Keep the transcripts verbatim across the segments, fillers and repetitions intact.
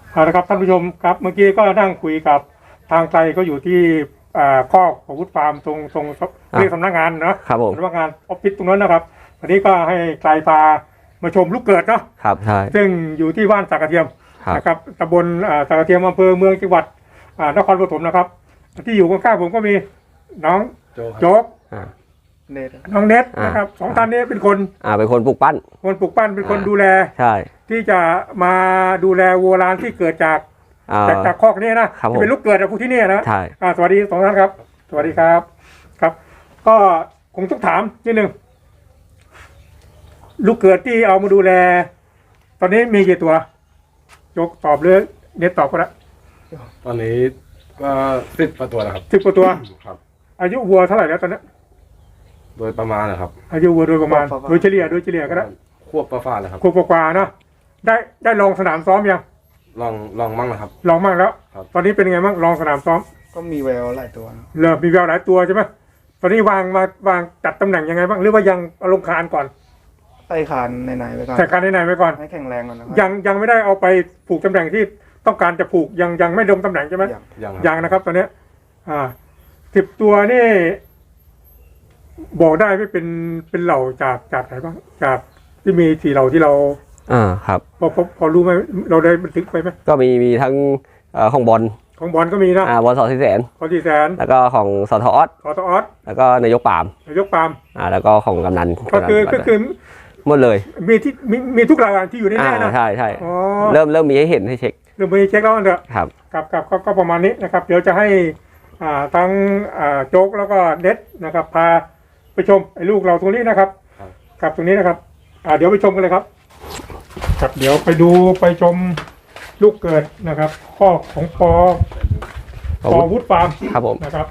เอาละครับท่านผู้ชมครับเมื่อกี้ก็นั่งคุยกับทางไกลก็อยู่ที่ข้อของวุฒิฟาร์มตรงตรงเรียกสำนักงานนะครับผมสำนักงานออฟฟิศตรงนั้นนะครับวันนี้ก็ให้ไกลพามาชมลูกเกิดเนาะครับใช่ซึ่งอยู่ที่บ้านสักกระเทียมนะครับตำบลสักกระเทียมอำเภอเมืองจังหวัดนครปฐมนะครับที่อยู่ข้างๆผมก็มีน้องโจ๊กน้องเน็ตนะครับสองท่านนี้เป็นคนอ่าเป็นคนปลูกปั้นคนปลูกปั้นเป็นคนดูแลใช่ที่จะมาดูแลวัวลานที่เกิดจากจากจากคอกนี้นะที่เป็นลูกเกิดจากพวกที่นี่นะใช่สวัสดีสองท่านครับสวัสดีครับครับก็คงต้องถามนิดนึงลูกเกิดที่เอามาดูแลตอนนี้มีกี่ตัวยกตอบเลยเน็ตตอบก็ได้ตอนนี้ก็สิบกว่าตัวแล้วครับสิบกว่าตัวครับอายุวัวเท่าไหร่แล้วตอนนี้โดยประมาณนะครับอายุวัวโดยประมาณโดยเฉลี่ยโดยเฉลี่ยก็ได้ควบประฟ้าเลยครับควบกว่าเนาะได้ได้ลองสนามซ้อมยังลองลองมั่งนะครับลองมั่งแล้วตอนนี้เป็นยังไงบ้างลองสนามซ้อมก็มีแววหลายตัวเริ่มมีแววหลายตัวใช่ไหมตอนนี้วางมาวางจัดตำแหน่งยังไงบ้างหรือว่ายังลงคานก่อนใส่คานในๆไว้ก่อนใส่คานในๆไว้ก่อนให้แข็งแรงก่อนนะครับยังยังไม่ได้เอาไปผูกตำแหน่งที่ต้องการจะผูกยังยังไม่ลงตำแหน่งใช่ไหมยังยังนะครับตอนนี้อ่าสิบตัวนี่บอกได้ไม่เป็นเป็นเหล่าจากจากไหนบ้างจากที่มีสี่เหล่าที่เราอ่าครับพอพอพอรู้ไหมเราได้บันทึกไปไหมก็มีมีทั้งของบอลของบอลก็มีนะอ่าบอลสอสี่แสนสอสี่แสนแล้วก็ของสอทออสสอทออสแล้วก็นายกปามนายกปามอ่าแล้วก็ของกำนันก็คือก็คือหมดเลยมีที่มีมีทุกรายการที่อยู่ในนี้นะใช่ใช่เริ่มเริ่มมีให้เห็นให้เช็คเริ่มมีเช็คแล้วเถอะครับกับกับก็ประมาณนี้นะครับเดี๋ยวจะให้อ่าทั้งอ่าโจ๊กแล้วก็เน็ตนะครับพาไปชมไอ้ลูกเราตรงนี้นะครับกับตรงนี้นะครับอ่าเดี๋ยวไปชมกันเลยครับครับเดี๋ยวไปดูไปชมลูกเกิดนะครับข้อของปอปอวุฒิฟาร์มครับผมนะครับ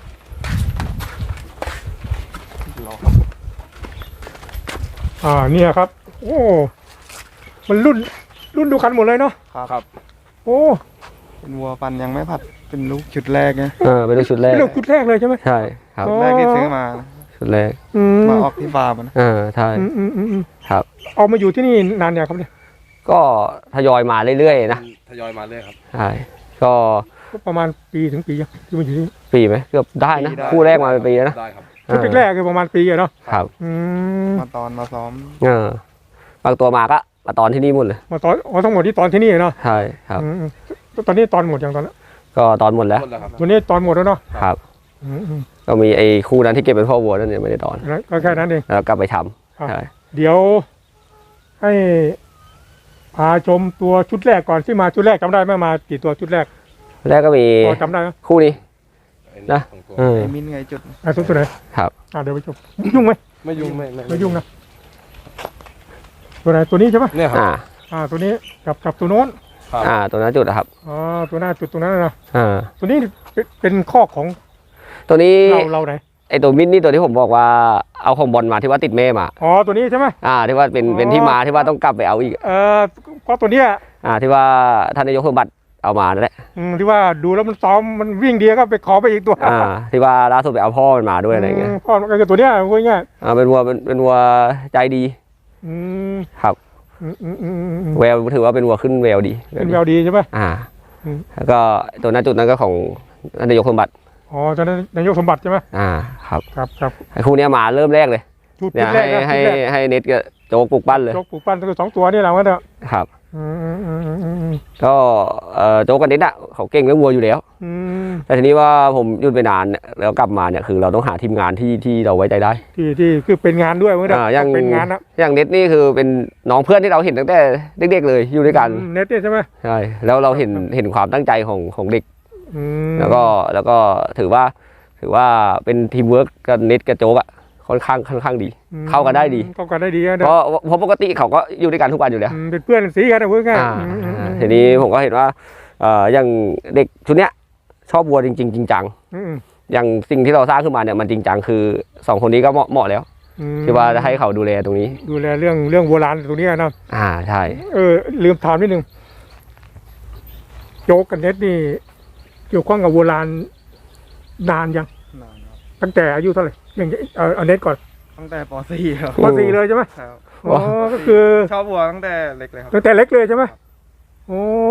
อ่าเนี่ยครับโอ้มันรุ่นรุ่นดูคันหมดเลยเนาะครับโอ้เป็นวัวปันยังไม่ผัดเป็นลูกชุดแรกไงเออเป็นลูกชุดแรกเป็นลูกชุดแรกเลยใช่ไหมใช่ครับแรกที่ซื้อมาชุดแรกมาออกที่ฟาร์มนะเออใช่ครับเอามาอยู่ที่นี่นานยังครับเนี่ยก็ทยอยมาเรื่อยๆนะทยอยมาเรื่อยครับใช่ก็ประมาณปีถึงปียังที่มาอยู่ที่ปีไหมเกือบได้นะคู่แรกมาเป็นปีนะได้ครับชุดแรกคือประมาณปีอะเนาะครับมาตอนมาซ้อมเออบางตัวมาก็มาตอนที่นี่หมดเลยมาตอนอ๋อทั้งหมดที่ตอนที่นี่เนาะใช่ครับตอนนี้ตอนหมดอย่างตอนนั้นก็ตอนหมดแล้ววันนี้ตอนหมดแล้วเนาะครับก็มีไอ้คู่นั้นที่เก็บเป็นพ่อวัวนั่นเนี่ยไม่ได้ตอนก็แค่นั้นเองแล้วกลับไปทำใช่เดี๋ยวให้พาชมตัวชุดแรกก่อนที่มาชุดแรกจำได้ไหมมากี่ตัวชุดแรกแรกก็มีจำได้ไหมคู่นี้นะไอ้มินไงจุดไอ้ตัวตัวไหนครับอ่าเดี๋ยวไปชมยุ่งไหมไม่ยุ่งไม่ไม่ยุ่งนะตัวไหนตัวนี้ใช่ไหมเนี่ยครับอ่าตัวนี้กับกับตัวโน้นอ่าตัวนั้นจุดนะครับอ๋อตัวหน้าจุดตรงนั้นนะอ่าตัวนี้เป็นข้อของตัวนี้เราเราไหนไอตัวมินนี่ตัวที่ผมบอกว่าเอาของบอลมาที่ว่าติดแม่มาอ๋อตัวนี้ใช่ไหมอ่าที่ว่าเป็นเป็นที่มาที่ว่าต้องกลับไปเอาอีกเออก็ตัวเนี้ยอ่าที่ว่าท่านนายกสมบัติเอามานั่นแหละอืมที่ว่าดูแล้วมันซ้อมมันวิ่งดีก็ไปขอไปอีกตัวอ่าที่ว่าล่าสุดไปเอาพ่อมันมาด้วยอะไรเงี้ยพ่อก็คือตัวเนี้ยพูดง่ายอ่าเป็นวัวเป็นเป็นวัวใจดีอืมครับแววถือว่าเป็นวัวขึ้นแววดีเป็นแววดีใช่ไหมอ่าแล้วก็ตัวนั้นจุดนั้นก็ของท่านนายกสมบัติอ๋อตอนนั้นนายกสมบัติใช่ไหมอ่าครับครับครับไอ้คู่นี้มาเริ่มแรกเลยเนี่ยให้ให้ให้เน็ตกับโจ๊กปลูกปั้นเลยโจ๊กปลูกปั้นตัวสองตัวนี่แหละว่าเด้อครับก็โจ๊กกับเน็ตอ่ะเขาเก่งเรื่องวัวอยู่แล้วแต่ทีนี้ว่าผมหยุดไปนานแล้วกลับมาเนี่ยคือเราต้องหาทีมงานที่ที่เราไว้ใจได้ที่ที่คือเป็นงานด้วยว่าเด้ออย่างเป็นงานนะอย่างเน็ตนี่คือเป็นน้องเพื่อนที่เราเห็นตั้งแต่เด็กๆเลยอยู่ด้วยกันเน็ตใช่ไหมใช่แล้วเราเห็นเห็นความตั้งใจของของเด็กแล้วก็แล้วก็ถือว่าถือว่าเป็นทีมเวิร์กกับเน็ตกับโจ๊กอ่ะค่อนข้างค่อนข้างดีเข้ากันได้ดีเข้ากันได้ดีเพราะเพราะปกติเขาก็อยู่ด้วยกันทุกวันอยู่แล้วเป็นเพื่อนสีกันนะเพื่อนกันทีนี้ผมก็เห็นว่าอย่างเด็กชุดเนี้ยชอบวัวจริงจริงจริงจังอย่างสิ่งที่เราสร้างขึ้นมาเนี่ยมันจริงจังคือสองคนนี้ก็เหมาะเหมาะแล้วที่ว่าจะให้เขาดูแลตรงนี้ดูแลเรื่องเรื่องโบราณตรงนี้นะอ่าใช่เออลืมถามนิดนึงโจ๊กกับเน็ตนี่เกี่ยวข้องกับโบราณนานยังตั้งแต่อายุเท่าไหร่อย่างเอาเน็ตก่อนตั้งแต่ป .สี่ ครับป .สี่ เลยใช่ไหมอ๋อก็คือชอบวัวตั้งแต่เล็กเลยครับตั้งแต่เล็กเลยใช่ไหมโอ้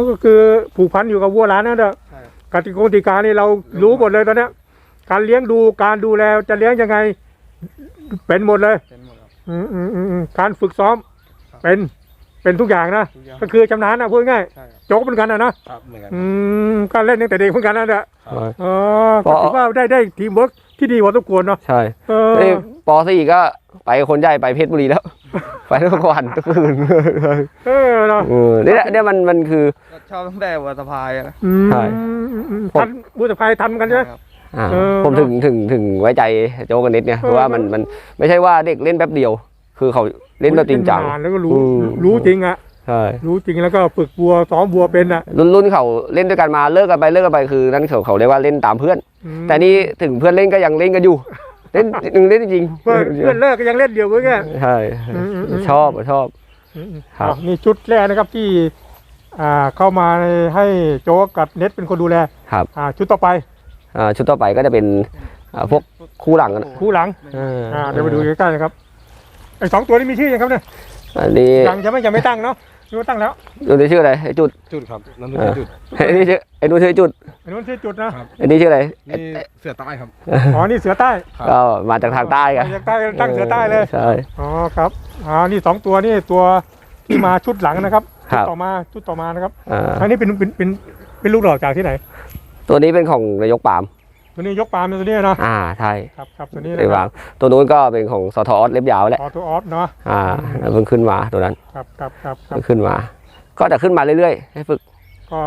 ก็คือผูกพันอยู่กับวัวหลานนั่นแหละใช่ครับกติกาติกานี่เรารู้หมดเลยตอนเนี้ยการเลี้ยงดูการดูแลจะเลี้ยงยังไง เป็นหมดเลยเป็นหมดครับอืมอืมอืมอืมการฝึกซ้อม เป็นเป็นทุกอย่างนะทุกอย่างก็คือชำนาญนะพูดง่ายใช่ครับโจ๊กเหมือนกันนะนะครับเหมือนกันอืมการเล่นตั้งแต่เด็กเหมือนกันนะเนี่ยครับอ๋อก็ถือว่าได้ได้ทีมเวิร์กที่ดีกว่าทุกคนเนาะใช่เออเอ้ยปสี่ก็ไปคนใหญ่ไปเพชรบุรีแล้ว ไปทุกวันทุกคืนเออเนาะเออเนี่ยเนี่ยมันมันคือก็ชอบตั้งแต่วัวสะพายอะนะอืมใช่อืมอืมทันบุตรภัยทันกันใช่ไหมครับอ่าเออผมถึงถึงถึงไว้ใจโจกันนิดเนี่ยเพราะว่ามันมันไม่ใช่ว่าเด็กเล่นแป๊บเดียว คือเขาเล่นแบบจริงจังนานแล้วก็รู้อืมรู้จริงอ่ะใช่รู้จริงแล้วก็ฝึกวัวซ้อมวัวเป็นอ่ะรุ่นรุ่นเขาเล่นด้วยกันมาเลิกกันไปเลิกกันไปคือนั่นเขาเขาเรียกว่าเล่นตามเพื่อนอืมแต่นี่ถึงเพื่อนเล่นก็ยังเล่นกันอยู่ เล่นเล่นจริงเพื่อนเพื่อนเลิกก็ยังเล่นเดียวกันแค่ใช่อืมอืมอืมชอบชอบ ครับอ่ะนี่ชุดแรกนะครับที่อ่าเข้ามาให้โจ๊กกับเน็ตเป็นคนดูแลครับอ่าชุดต่อไปอ่าชุดต่อไปก็จะเป็นอ่าพวกคู่หลังกันคู่หลังอ่าอ่าเดี๋ยวไปดูใกล้ๆนะครับไอ้สองตัวนี้มีชื่อยังครับเนี่ยอันนี้ยังจะไม่ยังไม่ตั้งเนาะหรือว่าตั้งแล้วดูในชื่ออะไรไอ้จุดจุดครับนั่นคือจุดไอ้นี่ชื่อไอ้นู้นชื่อจุดไอ้นู้นชื่อจุดนะไอ้นี่ชื่ออะไรนี่เสือใต้ครับอ๋อนี่เสือใต้ครับก็มาจากทางใต้กันจากใต้ตั้งเสือใต้เลยใช่อ๋อครับอ่านี่สองตัวนี่ตัวที่มาชุดหลังนะครับครัชุดบต่อมาชุดต่อมานะครับอ่าอันนี้เป็นเป็นเป็นเป็นลูกหลอกจากที่ไหนตัวนี้เป็นของนายกปาล์มตัวนี้ยกปาล์มตัวนี้เนาะอ่าใช่ครับครับตัวนี้ไอ้นะควารังบตัวนู้นก็เป็นของสทออสเล็บยาวแหละออตัวออสเนาะอ่าแล้วเพิ่งขึ้นมาตัวนั้นครับครับครับครัเพิ่บงขึ้นมา ก็จะขึ้นมาเรื่อยๆให้ฝึกก็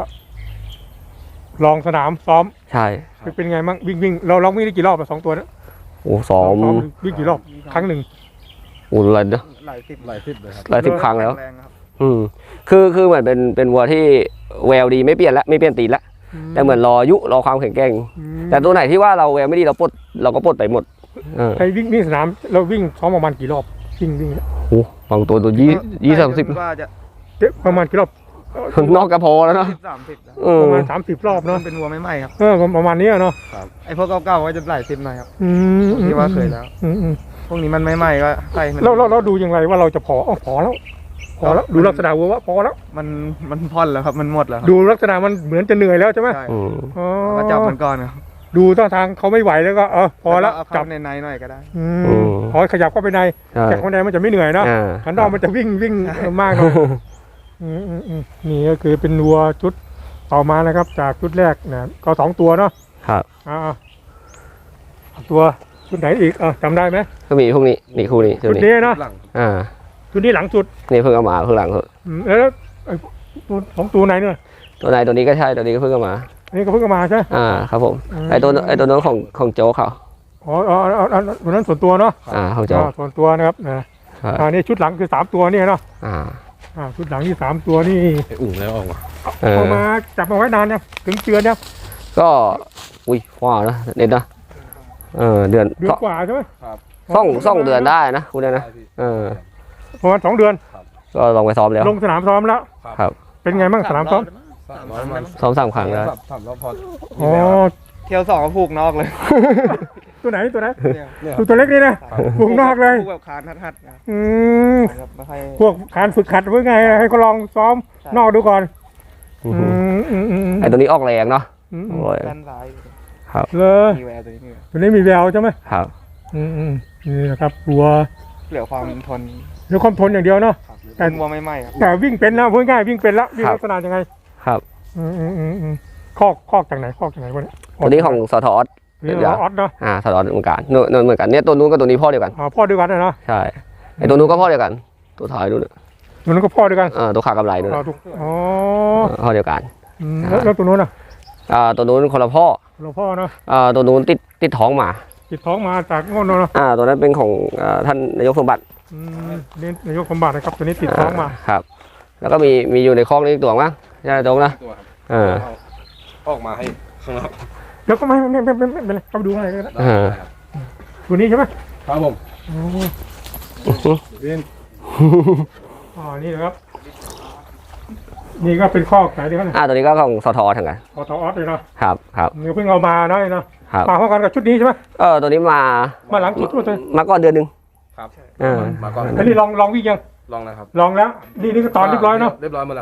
ลองสนามซ้อมใช่เป็นไงบ้างวิ่งวิ่งเราลองวิ่งได้กี่รอบอะสองตัวเนะโอ้ซ้อมซ้อมวิ่งกี่รอบครั้งหนึ่งโอ้อะไรเนอะหลายสิบหลายทิศเลยครับหลายสิบครั้งแล้วแรงครับอืมคือคือเหมือนเป็นเป็นวัวที่แววดีไม่เปลี่ยนละไม่เปลี่ยนตีนละแต่เหมือนรออายุรอความแข็งแกร่งมแต่ตัวไหนที่ว่าเราแววไม่ดีเราปลดเราก็ปลดไปหมดเออไอ้วิ่งวิ่งสนามเราวิ่งซ้อมประมาณกี่รอบวิ่งวิ่งโอ้บางตัวตัวยี่ยี่สามสิบว่าจะเอ๊ะประมาณกี่รอบนอกกระพอแล้วเนาะสิบสามสิบนะเอปอระมาณสามสิบรอบเนาะเนาะเป็นวัวไม่ไหม้ครับเออประมาณนี้อะเนาะไอ้พวกเก่าๆก็จะหลายสิบหน่อยครับอืมที่ว่าเคยแล้วอืมอืมพวกนี้มันไม่ไหม้ก็ใส่มันเราเราเราดูยังไงว่าเราจะพออ๋อพอแล้วพอแล้วดูลักษณะวัวว่าพอแล้วมันมันพ่อนแล้วครับมันหมดแล้วครับดูลักษณะมันเหมือนจะเหนื่อยแล้วใช่ไหมใช่อืมอ๋อก็จับมันก่อนครับดูท่าทางเขาไม่ไหวแล้วก็เออพอแล้วเอาจัเข้าบในในหน่อยก็ได้อืมพอขยับเข้าไปในใช่แต่ข้างในมันจะไม่เหนื่อยเนาะอ่าขันนอกมันจะวิ่งวิ่งเออมากเนาะอืมอืมอืมนี่ก็คือเป็นวัวชุดต่อมานะครับ จากชุดแรกนะก็สองตัวเนาะครับอ่าตัวชุดไหนอีกอ่ะจำได้ไหมก็มีพวกนี้นี่คู่นี้ตัวชุดนี้นี้เนาะหลังอ่าชุดนี้หลังสุดนี่เพิ่งเอามาเพิ่งหลังเพิ่งอืมแล้วไอ้ตัวสองตัวไหนเนี่ยตัวไหนตัวนี้ก็ใช่ตัวนี้ก็เพิ่งเอามาอันนี้ก็เพิ่งเอามาใช่ไหมอ่าครับผมอืมไอตัวไอตัวนั้นของของโจ๊กเขาอ๋ออ๋ออ๋ออ๋อตัวนั้นส่วนตัวเนาะอ่าของโจ๊กอ่าส่วนตัวนะครับนะครับ อ่านี่ชุดหลังคือสามตัวเนี่ยเนาะอ่าอ่าชุดหลังที่สามตัวนี่ไอ้อุ่งแล้วออกมาเออเอามาจับมาไว้นานเนี่ยงถึงเดือนเนี่ยก็อุ้ยว้าวนะเด็ดนะเออเดือนเดือนกว่าใช่ไหมส่องส่องเดือนได้นะคุณเนี่ยนะเออประมาณสองเดือนก็ลองไปซ้อมแล้วลงสนามซ้อมแล้วครับเป็นไงบ้างสนามซ้อมสามร้อยมันซ้อมสามครั้งแล้วสามรอบพออ๋อเที่ยวสองก็ผูกนอกเลยตัวไหนตัวไหนเนี่ยเนี่ยคตัรัวบตัวเล็กนี่นะวงนอกเลยผูกแบบคานทัดๆนะอืมครับไม่ค่อยพวกการฝึกขัดเพื่อไงให้เขาลองซ้อมนอกดูก่อนอือืมมอืมอืมอืมไอตัวนี้ออกแรงเนาะอืมโอ้ยด้านซ้ายเลยมีแววตัวนี้มีแววตัวนี้มีแววใช่ไหมครับอืมอืมนี่นะครับวัวเหลือความทนเดี๋ยวความทนอย่างเดียวเนาะ แต่เป็นวัวไม่ไหม้ครับแต่วิ่งเป็นแล้วพูดง่ายวิ่งเป็นแล้ววิ่งลักษณะยังไงครับอืมอืมอืมอืมคอกคอกจากไหนคอกจากไหนวะเนี่ยตัวนี้ของสทออสนี่เราออสเนาะอ่าสทออสเหมือนกันนู่นนู่นเหมือนกันเนี่ยตัวนู้นกับตัวนี้พ่อเดียวกันอ่าพ่อด้วยกันนะเนาะใช่ไอตัวนู้นก็พ่อเดียวกัน ตัวท้ายนู่นตัวนั้นก็พ่อด้วยกันเออตัวขากำไรนู่นอ๋อถูกอ๋อพ่อเดียวกันอืมแล้วแล้วตัวนู้นอ่ะอ่าตัวนู้นคนละพ่อหลวงพ่อเนาะอ่าตัวนู้นติดติดท้องมาติดท้องมาจากโง่นเนาะอ่าตัวนั้นเป็นของอ่าท่านนายกสมบัติอืมนี่นายกสมบัตินะครับตัวนี้ติดท้องมาครับ แล้วก็มีมีอยู่ในคลองนี้อีกตัวมั้งใช่ไหมตรงนะตัวครับเออเอาออกมาให้ข้างนอกแล้วก็ไม่ไม่ไม่ไม่ไม่เป็นไรเข้าไปดูอะไรก็ได้ได้ได้ครับตัวนี้ใช่ไหมครับผมอ๋อเรียนอ๋อนี่นะครับ นี่ก็เป็นข้อไหนดีครับเนี่ยอ่าตัวนี้ก็ของสทอทั้งกันออทออสเลยเนาะครับครับนี่เพิ่งเอามาเนาะเนาะครับมาพร้อมกันกับชุดนี้ใช่ไหมเออตัวนี้มามาหลังชุดด้วยมาก่อนเดือนหนึ่งครับเออมาก่อนอันนี้ลองลองวิ่งยังลองนะครับลองแล้ว นี่นี่ก็ตอนเรียบร้อยเนาะเรียบร้อยหมดแล้วครับ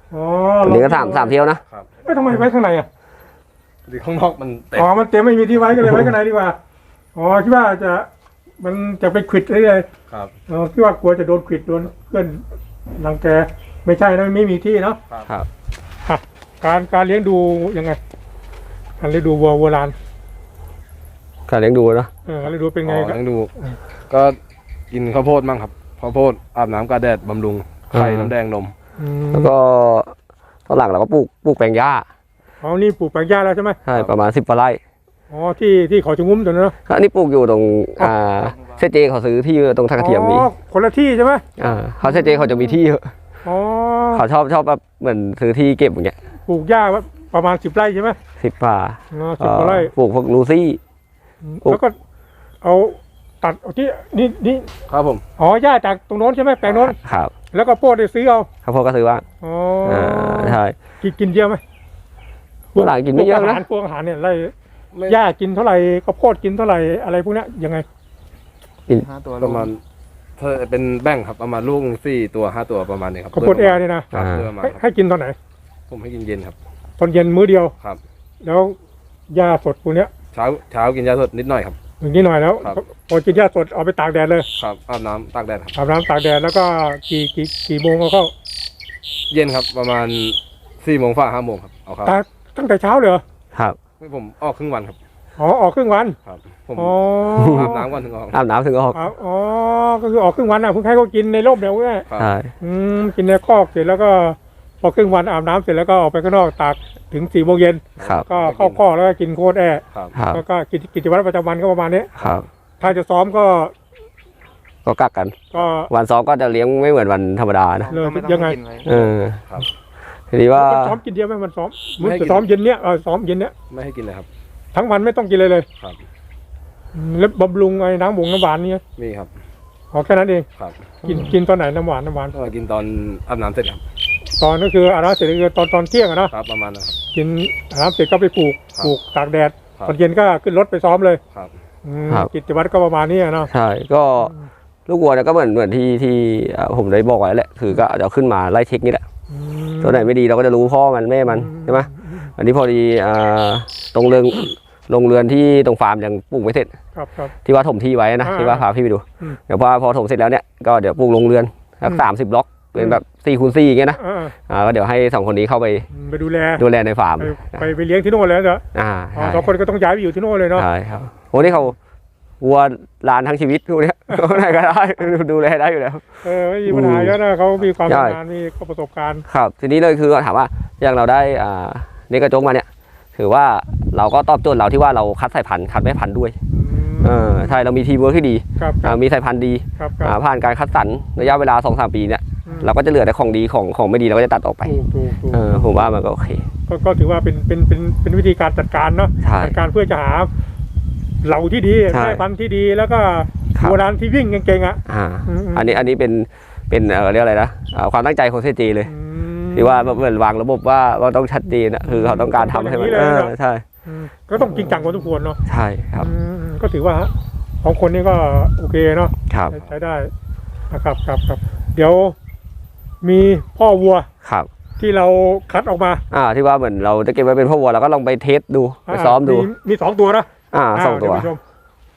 อ๋ออันนี้ก็สามสามเที่ยวนะครับเอ้ยทำไมไว้ข้างในอ่ะดีข้างนอกมันเต็มอ๋อมันเต็มไม่มีที่ไว้ก็เลยไว้ข้างในดีกว่าอ๋อคิดว่าจะมันจะไปขวิดได้เลยครับอ๋อคิดว่ากลัวจะโดนขวิดโดนเพื่อนรังแกไม่ใช่นะไม่มีที่เนาะครับอ่ะการการเลี้ยงดูยังไงการเลี้ยงดูวัวโบราณการเลี้ยงดูเนาะเออการเลี้ยงดูเป็นไงอ๋อครับต้องดู ก็กินข้าวโพดมั่งครับข้าวโพดอาบน้ำกาแดดบำรุงไข่น้ำแดงนมอืมแล้วก็ตอนหลังเราก็ปลูกปลูกแปลงหญ้าอ๋อนี่ปลูกแปลงหญ้าแล้วใช่ไหมใช่ประมาณสิบกว่าไร่อ๋อที่ที่เขาชะงุ้มตรงนั้นเนาะอันนี้ปลูกอยู่ตรงอ่าเซเจเขาซื้อที่ตรงท่ากระเทียมมีอ๋อคนละที่ใช่ไหมอ่าเขาเซเจเขาจะมีที่เยอะอ๋อเขาชอบชอบแบบเหมือนซื้อที่เก็บอย่างเงี้ยปลูกหญ้าประมาณสิบไร่ใช่ไหมสิบป่าอ๋อสิบกว่าไร่ปลูกพวกลูซี่ ปลูกแล้วก็เอาตัดเอาที่นี่นี่ครับผมอ๋อหญ้าจากตรงโน้นใช่ไหมแปลงโน้นครับแล้วก็โพดได้ซื้อเอาข้าวโพดก็ซื้อว่างอ๋ออ่าใช่กินกินเยอะไหมเมื่อหลังกินไม่เยอะพวกอานะหารพวกอาหารเนี่ยไร่ไม่หญ้ากินเท่าไหร่ข้าวโพดกินเท่าไหร่อะไรพวกเนี้ยยังไงห้าตัวประมาณถ้าเป็นแบ่งครับประมาณลูกสี่ตัวห้าตัวประมาณนี้ครับข้าวโพดแอร์เนี่ยนะครับเพื่อมาให้ครับให้กินตอนไหนผมให้กินเย็นครับตอนเย็นมื้อเดียวครับแล้วหญ้าสดพวกเนี้ยเช้าเช้ากินยาสดนิดหน่อยครับอย่างนี้หน่อยแล้วครับพอกินหญ้าสดเอาไปตากแดดเลยครับอาบน้ำตากแดดครับอาบน้ำตากแดดแล้วก็กี่กี่กี่โมงเอาเข้าเย็นครับประมาณสี่โมงฝ่าห้าโมงครับเอาครับตากตั้งแต่เช้าเลยเหรอครับผมออกครึ่งวันครับอ๋อออกครึ่งวันครับผมอ๋ออาบน้ำก่อนถึงออกอาบน้ำถึงออกอ๋ออ๋อก็คือออกครึ่งวันอ่ะเพิ่งให้เขากินในร่มเนี่ยเว้ยครับใช่อืมกินในคอกเสร็จแล้วก็พอครึ่งวันอาบน้ำเสร็จแล้วก็ออกไปข้างนอกตากถึงสี่โมงเย็นครับก็เข้าคอกแล้วก็กินโคตรแอร์ครับครับแล้วก็กิจกิจวัตรประจำวันก็ประมาณนี้ครับถ้าจะซ้อมก็ก็กักกันก็วันซ้อมก็จะเลี้ยงไม่เหมือนวันธรรมดานะเลยก็ม่ต้องยังไงกินว้เออทีนี้ว่ามันซ้อมกินเดียวไหมมันซ้อมมันจะซ้อมเย็นเนี้ยเออซ้อมเย็นเนี้ยไม่ให้กินเลยครับทั้งวันไม่ต้องกินเลยเลยครับอืมแล้วบำรุงไอ้น้ำบงน้ำหวานเนี่ยมีครับอ๋อแค่นั้นเองครับกินกินตอนไหนน้ำหวานน้ำหวานก็กินตอนอาบน้ำเสร็จครับตอนก็คืออาบน้ำเสร็จก็คือตอนตอนเที่ยงอะเนาะครับประมาณนั้นครับกินอาบน้ำเสร็จก็ไปปลูกครับปลูกตากแดดครับตอนเย็นก็ขึ้นรถไปซ้อมเลยครับอืมครับกิจวัตรก็ประมาณนี้อะเนาะใช่ก็ลูกวัวเนี่ยก็เหมือนเหมือนที่ที่อ่าผมได้บอกไว้แหละคือก็จะเอาขึ้นมาไล่เช็คนี่แหละอืมตัวไหนไม่ดีเราก็จะรู้พ่อมันแม่มันใช่ไหมอันนี้พอดีอ่าตรงเรือนโรงเรือนที่ตรงฟาร์มยังปลูกไม่เสร็จครับครับที่ว่าถมที่ไว้นะอ่าที่ว่าพาพี่ไปดูอืมเดี๋ยวพอพอถมเสร็จแล้วเนี่ยก็เดี๋ยวปลูกโรงเรือนสักอืมสามสิบล็อกเป็นแบบสี่คูณสี่อย่างเงี้ยนะอ่าอ่าก็เดี๋ยวให้สองคนนี้เข้าไปไปดูแลดูแลในฟาร์มไปไปไปเลี้ยงที่โน่นเลยเหรออ่าอ๋อใช่สองคนก็ต้องย้ายไปอยู่ที่โน่นเลยเนาะใช่ครับโอ้นี่เขาวัวลานทั้งชีวิตพวกเนี้ย ไหนก็ได้ดูแลได้อยู่แล้วเออไม่มีปัญหาเยอะนะเขามีความใช่ชำนาญมีประสบการณ์ครับทีนี้เลยคือถามว่าอย่างเราได้อ่าเนกระจงมาเนี่ยถือว่าเราก็ตอบโจทย์เราที่ว่าเราคัดสายพันธุ์คัดแม่พันธุ์ด้วยอืมเออใช่เรามีทีมเวิร์คที่ดีครับคอ่ารับมีสายพันธุ์ดีครับครัอ่าบผ่านการคัดสรรระยะเวลาสองสามปีเนี่ยอืมเราก็จะเหลือแต่ของดีของของไม่ดีเราก็จะตัดออกไปถูกถูกถูกเออผมว่ามันก็โอเคก็ก็ถือว่าเป็นเป็นเป็นเป็นวิธีการจัดการเนาะใช่จัดการเพื่อจะหาเหล่าที่ดีใช่แม่พันธุ์ที่ดีแล้วก็ครับโบราณที่วิ่งเก่งๆอ่ะอ่าอืมอืมอันนี้อันนี้เป็นเป็นเออเรียกอะไรนะอ่าความตั้งใจของเซจีเลยอืมที่ว่าเหมือนวางระบบว่าว่าต้องชัดเจนอะคือเขาต้องการทำให้มันอย่างนี้เอเลยอนะใช่อืมก็ต้องจริงจังพอสมควรเนาะใช่ครับอืมก็ถือว่าของคนนี้ก็โอเคเนาะครับใช้ใช้ได้นะครับครับครับเดี๋ยวมีพ่อวัวครับที่เราคัดออกมาอ่าที่ว่าเหมือนเราจะเก็บไว้เป็นพ่อวัวเราก็ลองไปเทสดูไปซ้อมดูมีสองตัวนะอ่าสองตัวเดี๋ยไปชม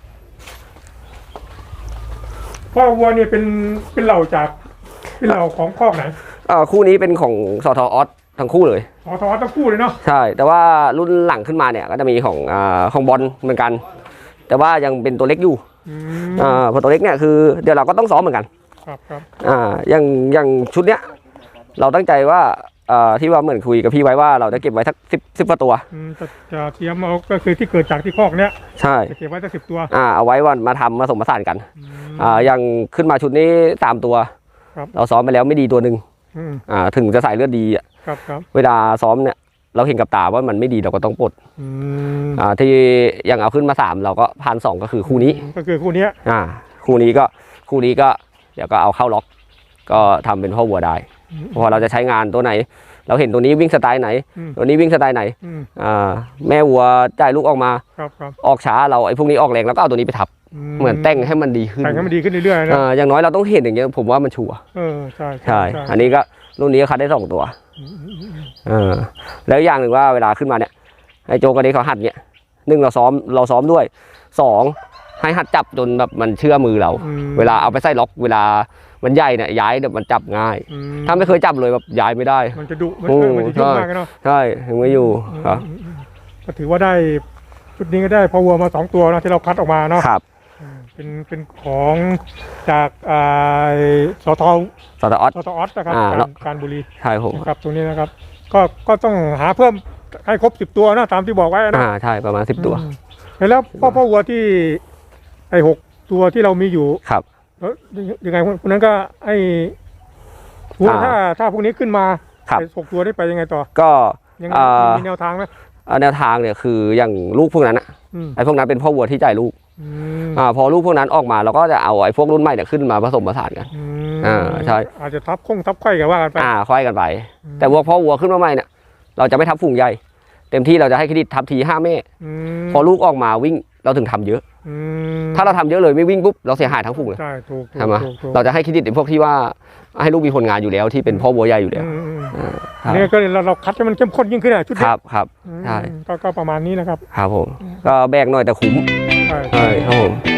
พ่อวัวเนี่ยเป็นเป็นเหล่าจากเป็นเหล่าของคอกไหนอ่าคู่นี้เป็นของสทออสทั้งคู่เลยขอทอทั้งคู่เลยเนาะใช่ แต่ว่ารุ่นหลังขึ้นมาเนี่ยก็จะมีของอ่าของบอลเหมือนกัน แต่ว่ายังเป็นตัวเล็กอยู่อืมอ่าเพอตัวเล็กเนี่ยคือเดี๋ยวเราก็ต้องซ้อมเหมือนกันครับครับอ่าอย่างอย่างชุดเนี้ยเราตั้งใจว่าอ่าที่ว่าเหมือนคุยกับพี่ไว้ว่าเราจะเก็บไว้สักสิบสิบกว่าตัวอืมจะจะเตรียมเอาก็คือที่เกิดจากที่คอกเนี้ยใช่จะเก็บไว้สักสิบตัวอ่าเอาไว้วันมาทำมาสมผสานกันอืมอ่าอย่างขึ้นมาชุดนี้สามตัวครับเราซ้อมไปแล้วไม่ดีตัวหนึ่งอืมอ่าถึงจะใส่เลือดดีอะครับครับเวลาซ้อมเนี่ยเราเห็นกับตาว่ามันไม่ดีเราก็ต้องปลดอืมอ่าที่ยังเอาขึ้นมาสามเราก็พันสองก็คือคู่นี้ก็คือคู่เนี้ยอ่าคู่นี้ก็คู่นี้ก็เดี๋ยวก็เอาเข้าล็อก ก็ทำเป็นพ่อวัวได้เพราะว่าเราจะใช้งานตัวไหน เราเห็นตัวนี้วิ่งสไตล์ไหนอืมตัวนี้วิ่งสไตล์ไหนอืมอ่าแม่วัวจ่ายลูกออกมาครับครับออกช้าเราไอ้พวกนี้ออกแรงแล้วก็เอาตัวนี้ไปทับเหมือนแต่งให้มันดีขึ้นแต่งให้มันดีขึ้นเรื่อยๆนะอ่าอย่างน้อยเราต้องเห็นอย่างเงี้ยผมว่ามันชัวร์เออใช่ใช่อันนี้ก็รุ่นนี้ก็คัดได้สองตัวอืมอืมอืมเออแล้วอย่างหนึ่งว่าเวลาขึ้นมาเนี่ยไอ้โจกับเด็กเขาหัดเนี่ยหนึ่งเราซ้อมเราซ้อมด้วยสองให้หัดจับจนแบบมันเชื่อมือเราอืมเวลาเอาไปใส่ล็อกเวลามันใหญ่เนี่ยย้ายเนี่ยมันจับง่ายอืมถ้าไม่เคยจับเลยแบบย้ายไม่ได้มันจะดุมันโอ้เออมันจะยุ่งมากเนาะใช่ถึงไม่อยู่ครับอืมอืมอืมก็ถือว่าได้ชุดนี้ก็ได้พอวัวมาสองตัวเนาะที่เราคัดออกมาเนาะครับอืมเป็นเป็นของจากอ่าสทสตาร์ออสสทออสนะครับอ่าการแล้วการบุรีใช่ผมนะครับตรงนี้นะครับ ก็ก็ต้องหาเพิ่มให้ครบสิบตัวนะตามที่บอกไว้นะอ่าใช่ประมาณสิบตัวอืมแล้วพ่อพ่อวัวที่ไอ้หกตัวที่เรามีอยู่ครับแล้วยังไงคนนั้นก็ไอ้วัวอ่าถ้าถ้าพวกนี้ขึ้นมาครับไอ้หกตัวได้ไปยังไงต่อก็ยังไงอ่ามีแนวทางไหมอ่าแนวทางเนี่ยคืออย่างลูกพวกนั้นอะอืมไอ้พวกนั้นเป็นพ่อวัวที่จ่ายลูกอืมอ่าพอลูกพวกนั้นออกมาเราก็จะเอาไอ้พวกรุ่นใหม่เนี่ยขึ้นมาผสมผสานกันอืมอ่าใช่อาจจะทับคงทับไข่กันว่ากันไปอ่าค่อยกันไปอืมแต่วัวพ่อวัวขึ้นมาใหม่เนี่ยเราจะไม่ทับฝูงใหญ่ เต็มที่เราจะให้เครดิตทับทีห้าแม่อืมพอลูกออกมาวิ่งเราถึงทำเยอะอืมถ้าเราทำเยอะเลยไม่วิ่งปุ๊บเราเสียหายทั้งฝูงเลยใช่ถูกถูกใช่ไหมถูกถูกเราจะให้เครดิตไอ้พวกที่ว่าให้ลูกมีผลงานอยู่แล้วที่เป็นพ่อวัวใหญ่อยู่แล้วอืมอืมอ่าครับเนี่ยก็เลยเราเราคัดให้มันเข้มข้นยิ่งขึ้นอ่ะชุดคนี้รับครับอืมใช่ก็ก็ประมาณนี้นะครับครับผมก็แบกหน่อยแต่คุ้มใช่ใช่ครับผม